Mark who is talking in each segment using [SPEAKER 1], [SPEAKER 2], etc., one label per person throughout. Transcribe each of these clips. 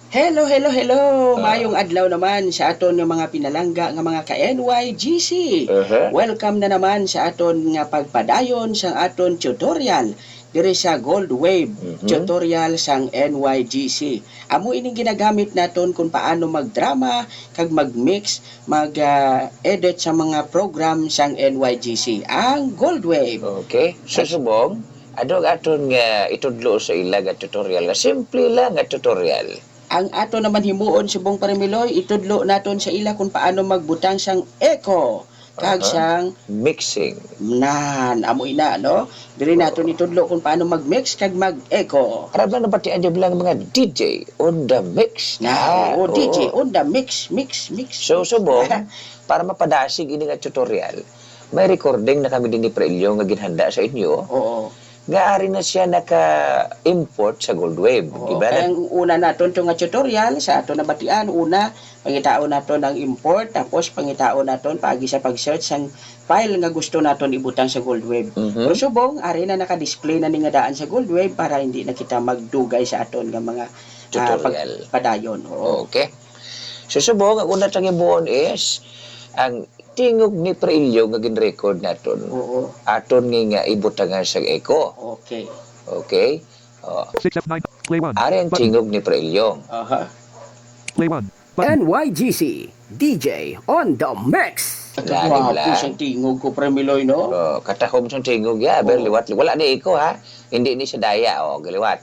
[SPEAKER 1] Hello, hello, hello!
[SPEAKER 2] Ah.
[SPEAKER 1] Mayong adlaw naman sa aton nga mga pinalangga nga mga ka-NYGC.
[SPEAKER 2] Uh-huh.
[SPEAKER 1] Welcome na naman sa aton nga pagpadayon sa aton tutorial diri sa Gold Wave tutorial sang NYGC. Amo ining ginagamit naton kung paano magdrama kag magmix, mag-edit sa mga program sang NYGC, ang Gold Wave.
[SPEAKER 2] Okay. Susubong, adog aton nga itudlo sa ila nga tutorial nga simple lang nga tutorial.
[SPEAKER 1] Ang ato naman himuon subong parimiloy, itudlo naton sa ila kung paano magbutang sang echo kag sang
[SPEAKER 2] mixing.
[SPEAKER 1] amo ina no. Diri naton itudlo kung paano mag-mix kag mag-echo.
[SPEAKER 2] Karab lang napatian dyan bilang mga DJ on the mix.
[SPEAKER 1] DJ on the mix.
[SPEAKER 2] So, subong, para mapadasig ini nga tutorial, may recording na kami din ni Prelio nga ginhanda sa inyo.
[SPEAKER 1] Oo.
[SPEAKER 2] Nga ari na siya naka-import sa Gold Wave.
[SPEAKER 1] Oo,
[SPEAKER 2] Diba?
[SPEAKER 1] kaya ang una naton to nga tutorial sa ato nabatian, una pangitaon naton ang import, tapos pangitaon naton paagi sa pag-search sang file nga gusto naton ibutang sa Gold Wave. Pero subong ari na naka-display na ni nga daan sa Gold Wave para hindi na kita magdugay sa aton nga mga
[SPEAKER 2] Tutorial.
[SPEAKER 1] pagpadayon. Oo.
[SPEAKER 2] Okay. So, subong, ang una tang ibuon is ang tingog ni Prelio nga gin-record naton.
[SPEAKER 1] Oo.
[SPEAKER 2] Aton nga ibutangan sa echo.
[SPEAKER 1] Okay.
[SPEAKER 2] Okay?
[SPEAKER 3] 6F9, play 1.
[SPEAKER 2] Ari ang tingog ni Prelio.
[SPEAKER 1] Aha.
[SPEAKER 3] Play 1. Button.
[SPEAKER 4] NYGC DJ on the mix.
[SPEAKER 2] Lagi
[SPEAKER 1] Wow,
[SPEAKER 2] lang.
[SPEAKER 1] siyang tingog ko premiloy no.
[SPEAKER 2] Katahom siyang tingog ya, liwat. Wala ni echo ha. Hindi ni siya daya galiwat.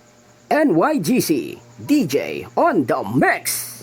[SPEAKER 4] NYGC DJ on the mix.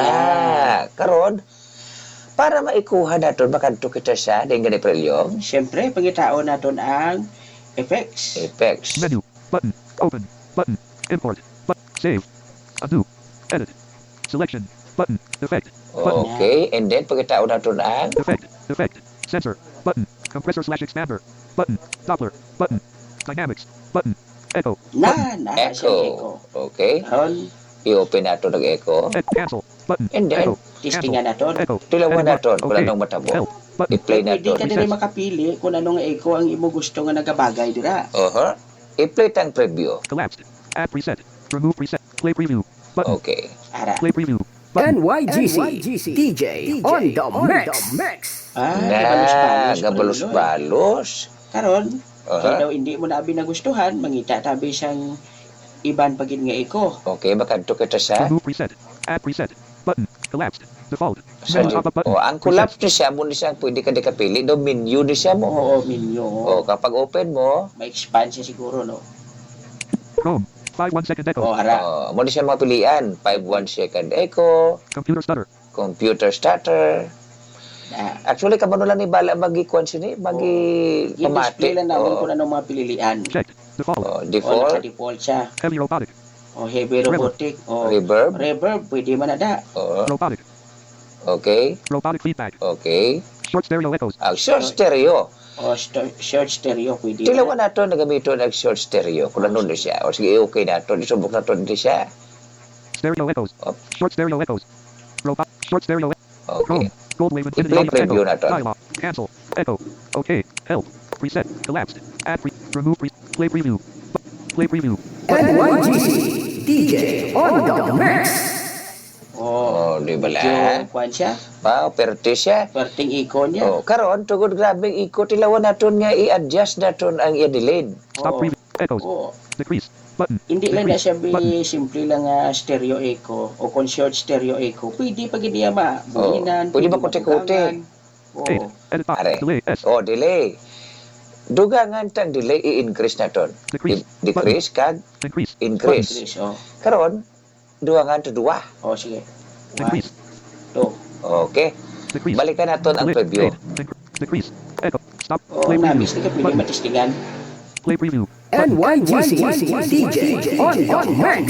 [SPEAKER 2] Na, karon para maikuha naton makadto kita sa dingan ni Prelio.
[SPEAKER 1] Siyempre pangitaon naton ang effects.
[SPEAKER 2] Effects.
[SPEAKER 3] Menu. Button. Open. Button. Import. Save. Undo. Edit. Selection. Button. Effect. Button.
[SPEAKER 2] Okay, and then pagkataon naton ang
[SPEAKER 3] Effect. Effect. Sensor. Button. Compressor/expander. Button. Doppler. Button. Dynamics. Button. Echo.
[SPEAKER 1] Na siyang echo.
[SPEAKER 2] echo. Okay,
[SPEAKER 1] Karon
[SPEAKER 2] i-open nato ng echo.
[SPEAKER 3] Cancel. Button.
[SPEAKER 2] And then,
[SPEAKER 3] Echo.
[SPEAKER 1] testingan naton.
[SPEAKER 3] Echo.
[SPEAKER 2] Tilawan
[SPEAKER 3] Edit
[SPEAKER 2] naton
[SPEAKER 3] mode.
[SPEAKER 2] kung
[SPEAKER 3] Okay.
[SPEAKER 2] anong matabo.
[SPEAKER 3] Help. Button.
[SPEAKER 2] I-play
[SPEAKER 1] Pwede
[SPEAKER 2] naton.
[SPEAKER 1] ka na rin makapili kung anong echo ang imo gusto nga nagabagay dira.
[SPEAKER 2] I-play tang preview.
[SPEAKER 3] Collapsed. Add preset. Remove preset. Play preview. Button.
[SPEAKER 2] Okay.
[SPEAKER 1] Ara.
[SPEAKER 3] Play preview. Button.
[SPEAKER 4] NYGC DJ on the mix.
[SPEAKER 2] Na, gabalos-balos.
[SPEAKER 1] Karon, kaya
[SPEAKER 2] Aha.
[SPEAKER 1] daw hindi mo na abi nagustuhan, mangita tabi siyang iban pagid nga echo.
[SPEAKER 2] Okay, makadto kita sa
[SPEAKER 3] Remove preset. Add preset. Button. Collapsed. Default.
[SPEAKER 2] sa
[SPEAKER 3] Menu pop-up button.
[SPEAKER 2] ang collapse ni siya mo ni siya pwede ka di kapili do menu ni siya mo.
[SPEAKER 1] Oo, menu.
[SPEAKER 2] Kapag open mo,
[SPEAKER 1] Ma-expand siya siguro, no?
[SPEAKER 3] Chrome. 5 1 second echo.
[SPEAKER 1] O, ara.
[SPEAKER 2] mo ni siya mapilian 5-1 second echo,
[SPEAKER 3] Computer stutter.
[SPEAKER 2] computer starter.
[SPEAKER 1] Na,
[SPEAKER 2] Actually, kabano lang ni bala magi-kuan sini, magi
[SPEAKER 1] i-display
[SPEAKER 2] pamati.
[SPEAKER 1] lang namin kung anong mga pililian.
[SPEAKER 3] Checked. Default.
[SPEAKER 1] O,
[SPEAKER 2] Default,
[SPEAKER 1] naka-default siya.
[SPEAKER 3] Heavy robotic.
[SPEAKER 1] O, heavy robotic. O,
[SPEAKER 2] reverb.
[SPEAKER 1] reverb, pwede man na da.
[SPEAKER 3] Robotic.
[SPEAKER 2] Okay,
[SPEAKER 3] Robotic feedback.
[SPEAKER 2] okay.
[SPEAKER 3] Short stereo echoes.
[SPEAKER 2] Ang short stereo.
[SPEAKER 1] O, short stereo, pwede
[SPEAKER 2] Tilawan
[SPEAKER 1] na.
[SPEAKER 2] nato nagamito ng short stereo. Kung ano ni siya. O sige, okay nato. Isubok nato ni siya.
[SPEAKER 3] Stereo echoes.
[SPEAKER 2] Op.
[SPEAKER 3] Short stereo echoes. Robot. Short stereo.
[SPEAKER 2] Okay.
[SPEAKER 3] Chrome. Gold wave infinity.
[SPEAKER 2] I-play
[SPEAKER 3] Echo.
[SPEAKER 2] preview na to.
[SPEAKER 3] Dialog. Cancel. Echo. Okay. Help. Preset. Collapsed. Add remove play preview. Play preview.
[SPEAKER 4] NYGC DJ on the mix.
[SPEAKER 1] O,
[SPEAKER 2] Di ba
[SPEAKER 1] medyo,
[SPEAKER 2] lang?
[SPEAKER 1] kuhan siya.
[SPEAKER 2] Perte siya.
[SPEAKER 1] Perting echo niya.
[SPEAKER 2] Karon tugod grabeng iko tilawan naton nga i-adjust naton ang i-delay.
[SPEAKER 3] Stop
[SPEAKER 1] Oo.
[SPEAKER 3] preview. Echoes.
[SPEAKER 1] O,
[SPEAKER 3] Decrease. Button.
[SPEAKER 1] hindi lang na siya
[SPEAKER 3] Button.
[SPEAKER 1] simple lang stereo echo o kung short stereo echo. Pwede pa gid niya buhinan.
[SPEAKER 2] Pwede ba kote-kote?
[SPEAKER 1] O,
[SPEAKER 3] Eight. Edit box.
[SPEAKER 2] Are.
[SPEAKER 3] Delay. S.
[SPEAKER 2] Delay. Dugangan tang delay i-increase naton.
[SPEAKER 3] Decrease.
[SPEAKER 2] Decrease kag
[SPEAKER 3] Increase.
[SPEAKER 2] increase.
[SPEAKER 1] English, o.
[SPEAKER 2] Karon dugangan to duwa.
[SPEAKER 1] O, sige.
[SPEAKER 3] Decrease.
[SPEAKER 1] 2.
[SPEAKER 2] Okay.
[SPEAKER 3] Decrease.
[SPEAKER 2] Balikan naton ang
[SPEAKER 3] Delay.
[SPEAKER 2] preview.
[SPEAKER 3] Eight. Decrease. Echo. Stop.
[SPEAKER 1] O,
[SPEAKER 3] Play preview.
[SPEAKER 1] nabis na ka pwede
[SPEAKER 3] Button.
[SPEAKER 1] matistingan.
[SPEAKER 3] Play preview.
[SPEAKER 4] NYGC DJ on the mix.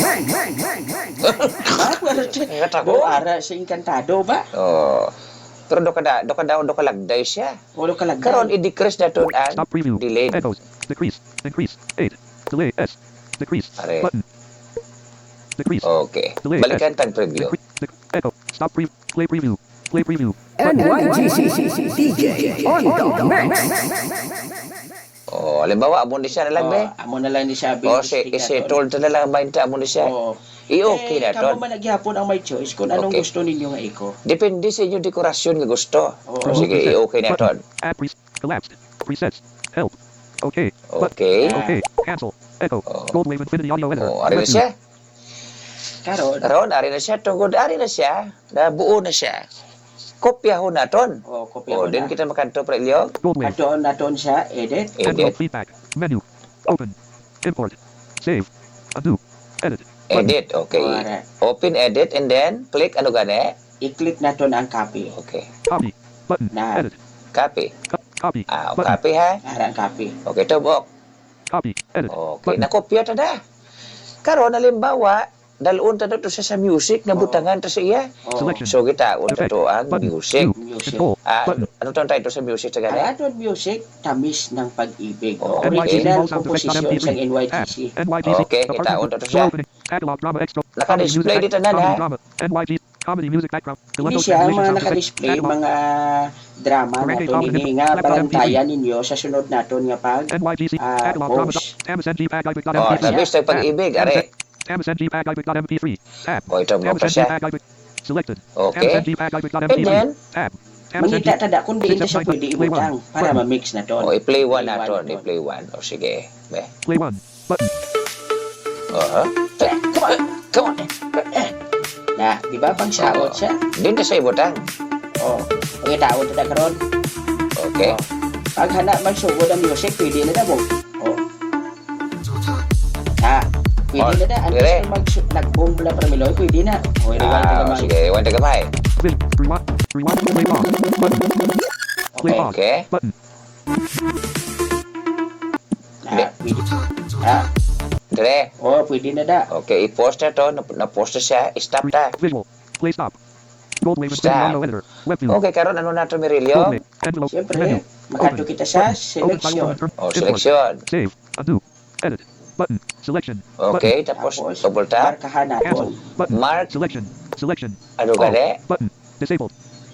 [SPEAKER 2] Ngatabo.
[SPEAKER 1] O, ara sa Encantado ba?
[SPEAKER 2] Pero do ka lagday siya.
[SPEAKER 1] O, lo kalagay.
[SPEAKER 2] Karon i-decrease naton ang
[SPEAKER 3] Stop preview.
[SPEAKER 2] delay.
[SPEAKER 3] Echoes. Decrease. Increase. 8. Delay. S. Decrease.
[SPEAKER 2] Are.
[SPEAKER 3] Button. Decrease.
[SPEAKER 2] Okay.
[SPEAKER 3] Delay.
[SPEAKER 2] Balikan tang preview.
[SPEAKER 3] Echo. Stop play preview. Play preview.
[SPEAKER 4] NYGC DJ on the mix.
[SPEAKER 2] Oh, halimbawa, amo ni siya na lang, be.
[SPEAKER 1] Amo na lang ni siya.
[SPEAKER 2] O, si told na lang 20, amo ni siya.
[SPEAKER 1] Oo.
[SPEAKER 2] I-okay na
[SPEAKER 1] Kamo
[SPEAKER 2] ton.
[SPEAKER 1] man nagyapon ang may choice kung anong
[SPEAKER 2] Okay.
[SPEAKER 1] gusto ninyo nga iko.
[SPEAKER 2] Depende sa inyo dekorasyon nga gusto.
[SPEAKER 1] Oo.
[SPEAKER 2] O, sige, i-okay na ton.
[SPEAKER 3] Add collapsed. Presets. Help. Okay. Button.
[SPEAKER 2] Okay.
[SPEAKER 3] Okay. Cancel. Echo.
[SPEAKER 2] Oh.
[SPEAKER 3] Gold Wave Infinity Audio Editor.
[SPEAKER 2] O, ari na
[SPEAKER 3] Web view.
[SPEAKER 2] siya.
[SPEAKER 1] Karon,
[SPEAKER 2] Karon, ari na siya. Tungkol, ari na siya. Nabuo na siya. Kopya ho na ton.
[SPEAKER 1] kopya
[SPEAKER 2] O,
[SPEAKER 1] ko
[SPEAKER 2] din
[SPEAKER 1] na.
[SPEAKER 2] kita makanto, Prelio.
[SPEAKER 3] Gold Wave.
[SPEAKER 1] Aton naton siya edit.
[SPEAKER 3] Download
[SPEAKER 2] Edit.
[SPEAKER 3] feedback. Menu. Open. Import. Save. Undo. Edit. Button.
[SPEAKER 2] Edit, okay.
[SPEAKER 1] Alright.
[SPEAKER 2] Open edit and then click ano gani?
[SPEAKER 1] I-click naton ang copy.
[SPEAKER 2] Okay.
[SPEAKER 3] Copy. Button.
[SPEAKER 1] Na.
[SPEAKER 3] Edit.
[SPEAKER 2] Copy.
[SPEAKER 3] Copy. Button.
[SPEAKER 2] Copy ha.
[SPEAKER 1] Arang copy.
[SPEAKER 2] Okay, tubok.
[SPEAKER 3] Copy. Edit.
[SPEAKER 2] Okay,
[SPEAKER 3] Button.
[SPEAKER 2] nakopya ta da. Karon halimbawa, dalon ta to sa music na butangan ta sa iya.
[SPEAKER 3] Selection.
[SPEAKER 2] So kita unta to ang
[SPEAKER 3] Button.
[SPEAKER 2] music.
[SPEAKER 3] View.
[SPEAKER 1] Music.
[SPEAKER 3] Control.
[SPEAKER 2] Ah,
[SPEAKER 3] Button.
[SPEAKER 2] ano tong title sa music sa
[SPEAKER 1] Ang
[SPEAKER 2] gani?
[SPEAKER 1] aton music, tamis ng pag-ibig.
[SPEAKER 2] Oh,
[SPEAKER 1] Original
[SPEAKER 3] NYGC sound effects
[SPEAKER 1] composition
[SPEAKER 3] on MP3.
[SPEAKER 1] sa NYGC.
[SPEAKER 3] NYGC.
[SPEAKER 2] Okay, kita
[SPEAKER 3] Apartment.
[SPEAKER 2] unta to siya.
[SPEAKER 3] Opening. Catalog drama extra.
[SPEAKER 2] Naka-display
[SPEAKER 3] Comedy
[SPEAKER 2] dito
[SPEAKER 3] music
[SPEAKER 2] na,
[SPEAKER 3] comedy
[SPEAKER 2] ha?
[SPEAKER 3] drama. NYGC. Comedy music background.
[SPEAKER 1] Hindi
[SPEAKER 3] Galento
[SPEAKER 1] siya
[SPEAKER 3] translation
[SPEAKER 1] mga
[SPEAKER 3] sound effects.
[SPEAKER 1] naka-display,
[SPEAKER 3] Catalog.
[SPEAKER 1] mga drama na
[SPEAKER 3] Barangay
[SPEAKER 1] to
[SPEAKER 3] Comedy.
[SPEAKER 1] nini nga
[SPEAKER 3] Laptop
[SPEAKER 1] balantayan ninyo sa sunod naton nga pag
[SPEAKER 3] NYGC.
[SPEAKER 1] Ah,
[SPEAKER 3] Catalog drama.
[SPEAKER 1] post.
[SPEAKER 3] Tamis NG Pag
[SPEAKER 2] Oh,
[SPEAKER 3] MP3.
[SPEAKER 2] tamis tayo pag-ibig, are.
[SPEAKER 3] Tamis NG Pag MP3. Tab.
[SPEAKER 2] O, ito mo
[SPEAKER 3] Tamis
[SPEAKER 2] pa
[SPEAKER 3] NG
[SPEAKER 2] siya.
[SPEAKER 3] Pag Selected.
[SPEAKER 2] Okay.
[SPEAKER 3] Tamis NG Pag
[SPEAKER 2] And
[SPEAKER 3] MP3.
[SPEAKER 2] then,
[SPEAKER 3] Tab. Tamis NG.
[SPEAKER 1] mangita tada kung di ito siya
[SPEAKER 3] 679,
[SPEAKER 1] pwede
[SPEAKER 3] play
[SPEAKER 1] ibutang
[SPEAKER 3] one.
[SPEAKER 1] para
[SPEAKER 3] Button.
[SPEAKER 1] ma-mix na to.
[SPEAKER 2] o, i-play one
[SPEAKER 1] Play
[SPEAKER 2] naton.
[SPEAKER 1] one
[SPEAKER 2] I-play one. O, sige. Be.
[SPEAKER 3] Play 1. Button.
[SPEAKER 2] Come on. Come on.
[SPEAKER 1] Na, di ba pang saot siya?
[SPEAKER 2] Din na sa ibutang.
[SPEAKER 1] Oh, pangitaon tada karon.
[SPEAKER 2] Okay.
[SPEAKER 1] Pag hana magsugod ang music, pwede na mo. Oh. Pwede na da. Ang
[SPEAKER 2] dire.
[SPEAKER 1] gusto nag-boom pala para miloy, pwede na. O, rewind ka gamay.
[SPEAKER 2] Sige, one ta gamay.
[SPEAKER 3] Vision. Rewind. Rewind. Play pause. Button. Play
[SPEAKER 1] Okay.
[SPEAKER 3] pause.
[SPEAKER 2] Okay.
[SPEAKER 3] Button.
[SPEAKER 1] Pwede.
[SPEAKER 2] Dire.
[SPEAKER 1] Pwede na da.
[SPEAKER 2] Okay, i-post na to. Na-post na siya. I-stop ta.
[SPEAKER 3] Visual. Play stop. Gold Wave
[SPEAKER 2] Stop.
[SPEAKER 3] Infinity Audio Editor. Web view.
[SPEAKER 2] Okay, karon ano na to,
[SPEAKER 3] Gold
[SPEAKER 2] Mirilio?
[SPEAKER 3] Wave. Envelope. Menu.
[SPEAKER 1] Siyempre, makadto kita sa
[SPEAKER 3] Open file
[SPEAKER 1] selection.
[SPEAKER 3] from
[SPEAKER 2] O,
[SPEAKER 3] import.
[SPEAKER 2] selection.
[SPEAKER 3] Save. Undo. Edit. Button. Selection.
[SPEAKER 2] Okay, tapos double tap.
[SPEAKER 1] markahan
[SPEAKER 3] Cancel.
[SPEAKER 1] naton.
[SPEAKER 3] Button.
[SPEAKER 2] Mark.
[SPEAKER 3] Selection. Selection.
[SPEAKER 2] Ano
[SPEAKER 3] All.
[SPEAKER 2] gani?
[SPEAKER 3] Button. Disabled.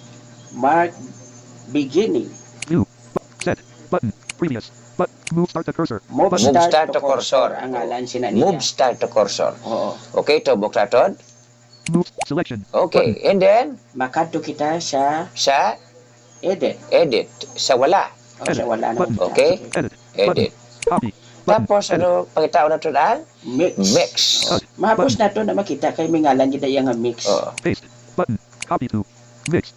[SPEAKER 1] Mark beginning.
[SPEAKER 3] View. Set. Button. Previous. But move start the cursor.
[SPEAKER 1] Move
[SPEAKER 3] Button.
[SPEAKER 1] start to cursor. Ang ngalan sina niya.
[SPEAKER 2] Move start to cursor.
[SPEAKER 1] Oo.
[SPEAKER 2] Okay, tubok na to.
[SPEAKER 3] Move. Selection.
[SPEAKER 2] Okay, and then,
[SPEAKER 1] Makadto kita sa
[SPEAKER 2] sa
[SPEAKER 1] edit.
[SPEAKER 2] edit. Sa wala.
[SPEAKER 1] O, sa wala na.
[SPEAKER 3] Button.
[SPEAKER 2] Okay.
[SPEAKER 3] Edit.
[SPEAKER 2] Edit.
[SPEAKER 3] Copy. Button.
[SPEAKER 2] Tapos, ano, pangitao na to na?
[SPEAKER 1] Mix.
[SPEAKER 2] Mix.
[SPEAKER 1] Mahapos na to na makita kay may ngalan yun nga mix.
[SPEAKER 2] Oh.
[SPEAKER 3] Paste. Button. Copy to. Mix.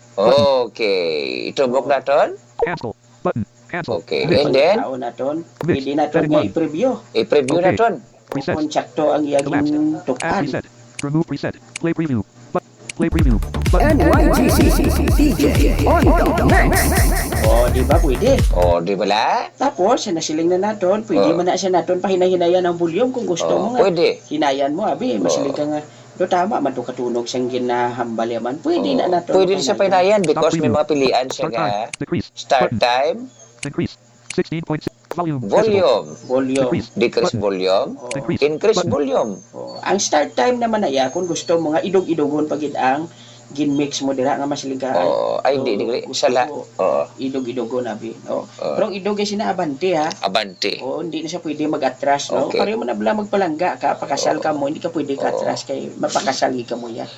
[SPEAKER 2] Okay. Itubok na to.
[SPEAKER 3] Cancel. Button. Cancel.
[SPEAKER 2] Okay, and then,
[SPEAKER 1] Pagkatao naton, pwede naton nga i-preview.
[SPEAKER 2] i-preview na
[SPEAKER 3] Okay.
[SPEAKER 2] to.
[SPEAKER 3] Reset.
[SPEAKER 1] Kung sakto ang iyang
[SPEAKER 3] Add
[SPEAKER 1] tukan.
[SPEAKER 3] reset. Remove reset. Play preview. Play preview. Button.
[SPEAKER 4] NYGC DJ on the mix.
[SPEAKER 1] O, di ba pwede?
[SPEAKER 2] O, di ba la?
[SPEAKER 1] Tapos, nasiling na naton, pwede
[SPEAKER 2] Oh.
[SPEAKER 1] man na siya naton pahinahinayan ang volume kung gusto mo
[SPEAKER 2] O,
[SPEAKER 1] nga.
[SPEAKER 2] pwede.
[SPEAKER 1] Hinayan mo, abi, masiling
[SPEAKER 2] Oh.
[SPEAKER 1] ka nga. Do tama man to katunog siyang ginahambal yaman. Pwede na naton.
[SPEAKER 2] Pwede rin sa pinayan because may mga pilian siya
[SPEAKER 3] Start
[SPEAKER 2] nga.
[SPEAKER 3] time. Decrease.
[SPEAKER 2] Start
[SPEAKER 3] Button.
[SPEAKER 2] time,
[SPEAKER 3] Increase. 16.6. Volume. Decibel.
[SPEAKER 2] volume,
[SPEAKER 1] Volume.
[SPEAKER 3] Decrease.
[SPEAKER 2] decrease
[SPEAKER 3] Button.
[SPEAKER 2] volume,
[SPEAKER 1] Oh.
[SPEAKER 3] Increase.
[SPEAKER 2] increase
[SPEAKER 3] Button.
[SPEAKER 2] volume.
[SPEAKER 1] Oh, ang start time naman na iya, kung gusto mo nga idog-idogon pagid ang gin-mix mo dira nga masiling ka.
[SPEAKER 2] Oh, ay, hindi, hindi. Sala. Oh,
[SPEAKER 1] Idog-idogon abi. No?
[SPEAKER 2] Oh.
[SPEAKER 1] Pero ang idog ay sinaabante ha.
[SPEAKER 2] abante.
[SPEAKER 1] Oo, hindi na siya pwede mag-atras, no?
[SPEAKER 2] Okay.
[SPEAKER 1] Pareho mo na bala magpalangga ka, pakasal ka mo, hindi ka pwede ka-atras kay mapakasal ka mo ya.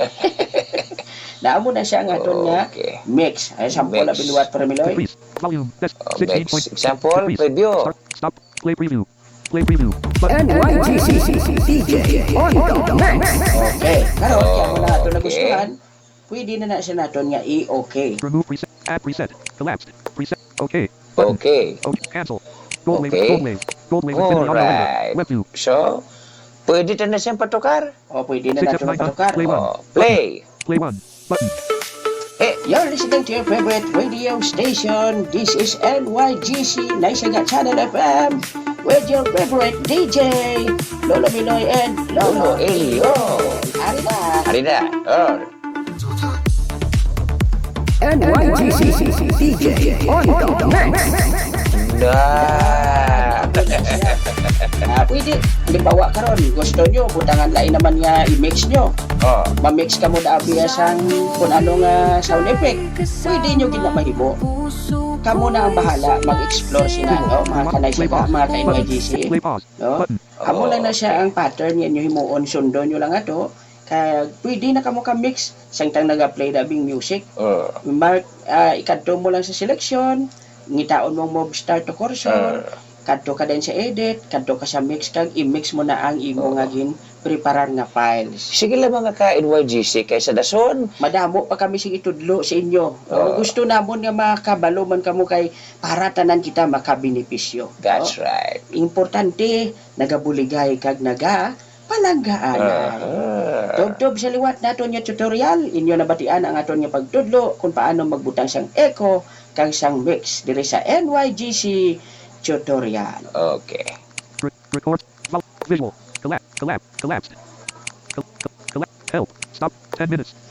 [SPEAKER 1] Naamo na siya nga aton nga
[SPEAKER 2] Okay.
[SPEAKER 1] mix. Ay sample na
[SPEAKER 2] Mix.
[SPEAKER 1] binuwat para miloy.
[SPEAKER 3] Decrease. Volume. That's
[SPEAKER 2] Oh,
[SPEAKER 3] 16.6.
[SPEAKER 2] next example,
[SPEAKER 3] Decrease.
[SPEAKER 2] preview.
[SPEAKER 3] Start. Stop. Play preview. Play preview. Button.
[SPEAKER 4] NYGC DJ on the mix.
[SPEAKER 1] Okay. Karon kaya mo na ato
[SPEAKER 2] Okay.
[SPEAKER 1] nagustuhan. Pwede na siya naton nga i-okay.
[SPEAKER 3] Remove preset. Add preset. Collapsed. Preset. Okay.
[SPEAKER 2] Okay.
[SPEAKER 3] Okay. Cancel. Gold wave.
[SPEAKER 2] Okay.
[SPEAKER 3] Gold wave. Gold wave. Infinity Audio Editor.
[SPEAKER 2] Alright.
[SPEAKER 3] Web view.
[SPEAKER 2] So, pwede na siyang patukar.
[SPEAKER 1] O pwede na naton
[SPEAKER 3] 6F9
[SPEAKER 1] patukar.
[SPEAKER 3] Play one.
[SPEAKER 2] Oh, play.
[SPEAKER 3] Play 1. Button.
[SPEAKER 1] You're listening to your favorite radio station. This is NYGC Naisaga Channel FM with your favorite DJ, Lolo Miloy and Lolo
[SPEAKER 2] Lolo Elio.
[SPEAKER 1] Ari na.
[SPEAKER 2] Hari na. Oh.
[SPEAKER 4] NYGC DJ on the mix.
[SPEAKER 2] Nah.
[SPEAKER 1] Pwede, halimbawa karon gusto nyo, butangan lain naman nga i-mix nyo.
[SPEAKER 2] Oh.
[SPEAKER 1] Ma-mix ka mo na abiyas ang kung ano nga sound effect. Pwede nyo ginamahimo. kamo na ang bahala mag-explore sina no, mga kanay
[SPEAKER 3] Play
[SPEAKER 1] sila,
[SPEAKER 3] pause.
[SPEAKER 1] mga
[SPEAKER 3] Button.
[SPEAKER 1] ka-NYGC.
[SPEAKER 3] Play pause.
[SPEAKER 1] No?
[SPEAKER 3] Button.
[SPEAKER 1] Amo lang na siya ang pattern yan yung himuon sundo nyo lang ato. Kaya pwede na kamo ka-mix samtang nag-play dabing music. Mark, ikadto mo lang sa selection, ngitaon mong move start to cursor, kadto ka din sa edit, kadto ka sa mix kag i-mix mo na ang imo nga gin preparar nga files.
[SPEAKER 2] Sige lang mga ka-NYGC kaysa dason.
[SPEAKER 1] Madamo pa kami sing itudlo sa inyo. Kung gusto namon nga makabalo man kamo kay para tanan kita makabenepisyo.
[SPEAKER 2] That's
[SPEAKER 1] no?
[SPEAKER 2] right.
[SPEAKER 1] Importante nagabuligay kag naga palanggaan. Tubtob sa liwat naton nga tutorial, inyo nabatian ang aton nga pagtudlo kung paano magbutang sang echo kang sang mix diri sa NYGC tutorial.
[SPEAKER 2] Okay.
[SPEAKER 3] Record. Visual. Collapsed. Help. Stop. 10 minutes.